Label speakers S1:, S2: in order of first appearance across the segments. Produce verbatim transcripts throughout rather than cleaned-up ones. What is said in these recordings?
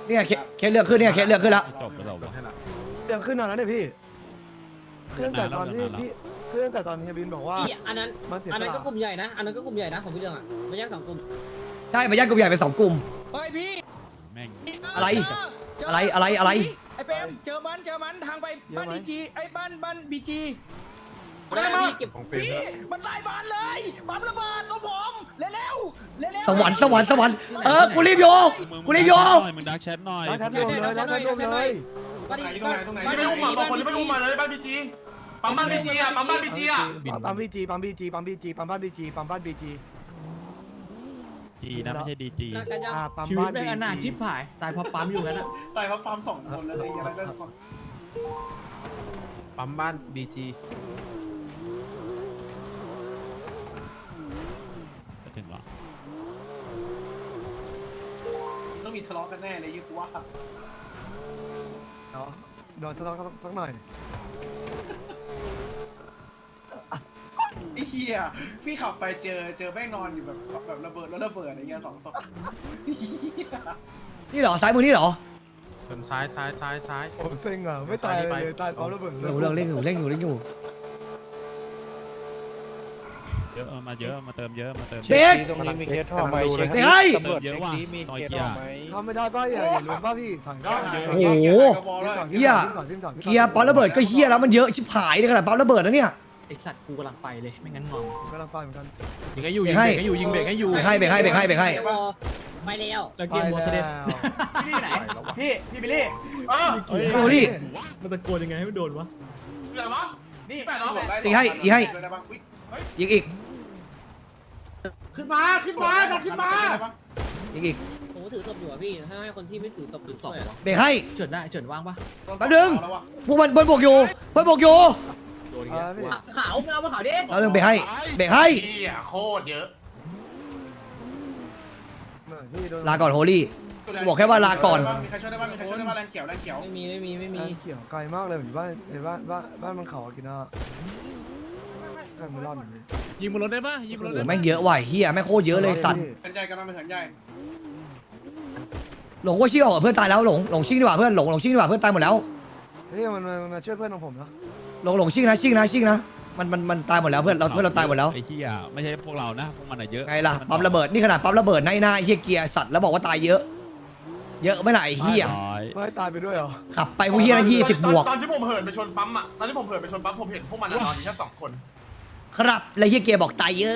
S1: เนี่ยเคสเลือกขึ้นเนี่ยเคสเลือกขึ้นแล้ว
S2: จบแล้ว
S3: เรื่องขึ้นนานแล้วเนี่ยพี่ขึ้นแต่ตอนที่พี่ขึ้นแต่ตอนเฮียบินบอกว่า
S4: อีอันนั้นอันนั้นก็กลุ่มใหญ่นะอันนั้นก็กลุ่มใหญ่นะของพี่เรื่องอ่ะไม่แยกสองกลุ่ม
S1: ใช่มาแยกกลุ่มใหญ่เป็นสองกลุ่ม
S5: เฮ้ยพี่
S2: แม่ง
S1: อะไรอะไรอะไรอะไร
S5: ไอ้เปมเจอมันเจอมันทางไปบ้านดีจีไอ้บ้านบ้านบีจี
S4: ได้มาเก็บ
S5: พี่มันไล่บ้านเลยปั๊มระเบิดตัวผมเร็วเร็วเร็ว
S1: สวรรค์สวรรค์สวรรค์เออกูรีบโยกูรีบโย
S2: มึงดักแชทหน่อย
S3: แล้วแทบรวมเลยแล้วแทบรวมเลย
S4: บ้าน
S6: ตรงไหนตรงไหนตรงไหนไม่อุ้มอ่ะบอกคนที่ไม่อุ้มมาเลยบ้านบีจีปั๊มบ้านบีจีอ่ะปั๊มบ้านบีจีอ่ะ
S3: ปั๊มบีจีปั๊มบีจีปั๊มบีจีปั๊มบ้านบีจีปั๊มบ้านบีจี
S2: จีนะไม่ใช่ดีจี
S4: กันยัง
S3: อ่าปั๊ม
S7: ชีวิต
S3: บ้าน
S7: แม่
S3: บี
S7: งอนาถชิ
S3: จี
S7: บหายตายเพราะปั๊มอยู่งั้นอะ
S6: ตายเพราะปั๊มสองคนแล้วไอ้ยังไงเรื่องก่อน
S8: ปั๊มบ้านบีจี
S2: ถึงหรอ
S6: ต้องมีทะเลาะกันแน่เลยยิ่งกูว่า
S3: เนาะเดี๋ยวจะต้องสักหน่อย
S6: ไอ้เหี้ยพี่ขับไปเจอเจอแม่งนอนอยู่แบบแบบระเบิดแล้วระเบิดอะไรเงี้ยสองศพ
S1: นี่เหรอซ้ายมือนี่เหรอ
S8: ชนซ้ายซ้ายซ้ายซ้าย
S3: ผมเซ็งอ่ะไม่ตายเลยตายปั๊มระเบิด
S1: เรื่องเรื่องเล่นอยู่เล่นอยู่เล่นอยู่
S2: เยอะมาเยอะมาเติมเยอะมาเติม
S1: เบรก
S8: ตรงนี้มีเคสท่อไหม
S1: เบรกให้
S2: เติมเยอะว่ะต่อยเกียร์
S3: ทำไม่ได้ป่ะอย่าอย่าลืมป่ะพี่ถังได้
S1: โอ้โหเฮียเกียร์ปั๊มระเบิดก็เฮียแล้วมันเยอะชิบหายในขนาดปั๊มระเบิดนะเนี่ย
S7: ไอสัตว์กูกำลังไปเลยไม่งั้นงอม
S3: กำลังไปเหมือนกัน
S8: ยิงให้อยู่ยิงเบรกให้อยู่ยิงเบรกให้อยู่
S1: เบรกให้เบรกให้เบรกให้เบรกให้
S4: พอไปแล้ว
S7: แล้วเกมโมเสด็จ
S6: พี่ไหนพี่พี่บิลลี่เออ
S1: โอ้ดิ
S7: มันตะโกนยังไงให้มันโดนวะ
S6: อะไรวะนี่แปดน้อง
S1: ยิงให้ยิงให้ยิงอีก
S6: ขึ้นมาขึ้นมาขึ้นมา
S1: ยิงอีก
S4: ผมถือศพอยู่อ่ะพี่ถ้าให้คนที่ไม่ถือศพถือศพ
S1: เบรกให้
S7: เฉินได้เฉินว่างปะ
S1: แป๊บนึงพวกมันเบิ้ลบวกอยู่เบิ้ลบวกอยู่
S7: โดนอีก
S3: อ่า
S7: แล้ว
S3: พี่
S4: ขาวเอามาขาวดิ
S1: แล้วนึงเบรกให้เบรกให้
S6: เหี้ยโคตรเยอะ
S3: พี่โดน
S1: ลาก่อนโฮลี่ บอกแค่ว่าลาก่อน
S6: มีใครช่วยได้บ้างมีใครช่วยได้บ้างแรงเขียวแรงเขียว
S4: ไม่มีไม่มีไม่มี
S3: เขียวไกลมากเลยอยู่บ้านในบ้านบ้านบ้านมันเขากินอ่ะแค่ไม่รอดอย่างนี้
S7: ยิงบนรถได้ปะยิงบนรถ
S1: โอ้
S7: ได้
S1: แม่งเยอะว่ะเฮียแม่งโคตรเยอะเลยสัตว์
S6: เป็นใจกำลังเป็นหันใหญ่
S1: หลงว่าชิ่งออกกับเพื่อนตายแล้วหลงหลงชิ่งดีกว่าเพื่อนหลงหลงชิ่งดีกว่าเพื่อนตายหมดแล้ว
S3: เฮ้ยมันมันมาช่วยเพื่อนของผมนะ
S1: หลงหลงชิ่งนะชิ่งนะชิ่งนะมันมันมันตายหมดแล้วเพื่อนเราเพื่อนเราตายหมดแล้ว
S2: ไอ้เหี้ยไม่ใช่พวกเรานะพวกมันอะเยอะ
S1: ไงล่ะปั๊มระเบิดนี่ขนาดปั๊มระเบิดในหน้าเฮียเกียร์สัตว์แล้วบอกว่าตายเยอะ เยอะไม่ไหนเฮีย
S2: ร้อย
S3: ไม่ตายไปด้วยเหรอ
S1: ขับไปพวกเฮียนั่นยี่สิบบวก
S6: ตอนที่ผมเหินไปชนปั๊มอ่ะตอนที่ผมเหินไปชนปั๊มผมเห็นพวกมันนอนอยู่แค่สองคน
S1: ครับแล้วเฮียเกียร์บอกตายเยอะ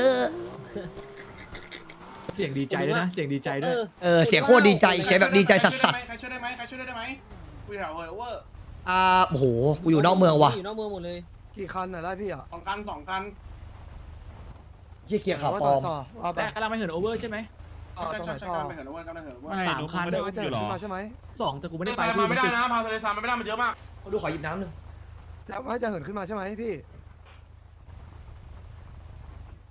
S7: เสียงดีใจด้วยนะเสียงดีใจด้วย
S1: เออเสียงโคตรดีใจเสียงแบบดีใจสัสสัส
S6: ใครช่วยได้ไหมใครช่วยได้ไหมคุยแถวเฮอร์เวอร์
S1: อ่าโอ้โหกูอยู่นอกเมืองว่ะ
S4: อยู่นอกเมืองหมดเลย
S3: กี่คันน่ะได้พี่อ่ะ
S6: สองกันสองกัน
S1: เฮียเกียร์ข่าวปล
S3: ต่
S1: อ
S3: อ
S1: ม
S3: ต่อเอาไป
S7: แต่กำลังไปเหินโอเวอร์ใช่ไหม
S3: ต่อ
S6: ใช่
S3: ตรงไห
S6: ใช่
S3: น
S6: ใช่
S3: ต่อ
S6: กันไปเหินเวอร์กันไปเหินเวอร์
S2: ไม่
S7: สาม
S2: ดู
S7: คัน
S2: ไม่
S3: เดี๋
S2: ได้
S3: ยวจะ
S2: อยู่หรอ
S3: ขึ้นมาใช่ไหม
S7: สองแต่กูไม่ได้ไป
S6: มาไม่ได้นะพาทะเลทรายมาไม่ได้มันเยอะมาก
S1: ดูขอหยิบน้ำหนึ่ง
S3: จะไม่จะเหินขึ้นมาใช่ไหมพี่